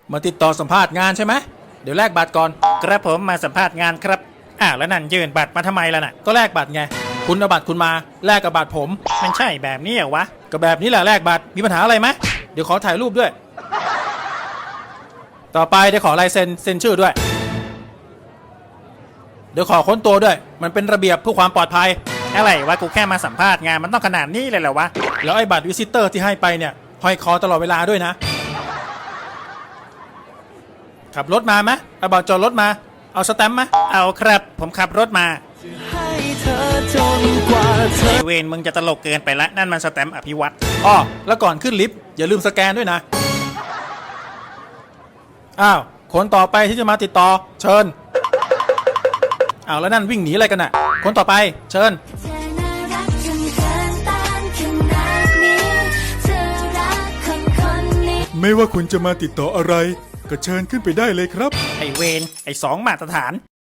มาติดต่อสัมภาษณ์งานใช่ไหมเดี๋ยวแลกบัตรก่อนกระผมมาสัมภาษณ์งานครับแล้วนั่นยื่นบัตรมาทำไมล่ะน่ะก็แลกบัตรไงคุณเอาบัตรคุณมาแลกกับบัตรผมมันใช่แบบนี้เหรอวะก็แบบนี้แหละแลกบัตรมีปัญหาอะไรไหมเดี๋ยวขอถ่ายรูปด้วยต่อไปเดี๋ยวขอลายเซ็นชื่อด้วยเดี๋ยวขอค้นตัวด้วยมันเป็นระเบียบเพื่อความปลอดภัยอะไรวะกูแค่มาสัมภาษณ์งานมันต้องขนาดนี้เลยเหรอวะแล้วไอ้บัตรวิซิเตอร์ที่ให้ไปเนี่ยห้อยคอตลอดเวลาด้วยนะขับรถมาไหมเอาบัตรจอดรถมาเอาสแตมป์ไหมเอาครับผมขับรถมาไอเวนมึงจะตลกเกินไปละนั่นมันสแตมป์อภิวัตรอ้อแล้วก่อนขึ้นลิฟต์อย่าลืมสแกนด้วยนะอ้าวคนต่อไปที่จะมาติดต่อเชิญอ้าวแล้วนั่นวิ่งหนีอะไรกันน่ะคนต่อไปเชิญไม่ว่าคุณจะมาติดต่ออะไรก็เชิญขึ้นไปได้เลยครับไอเวนไอสองมาตรฐาน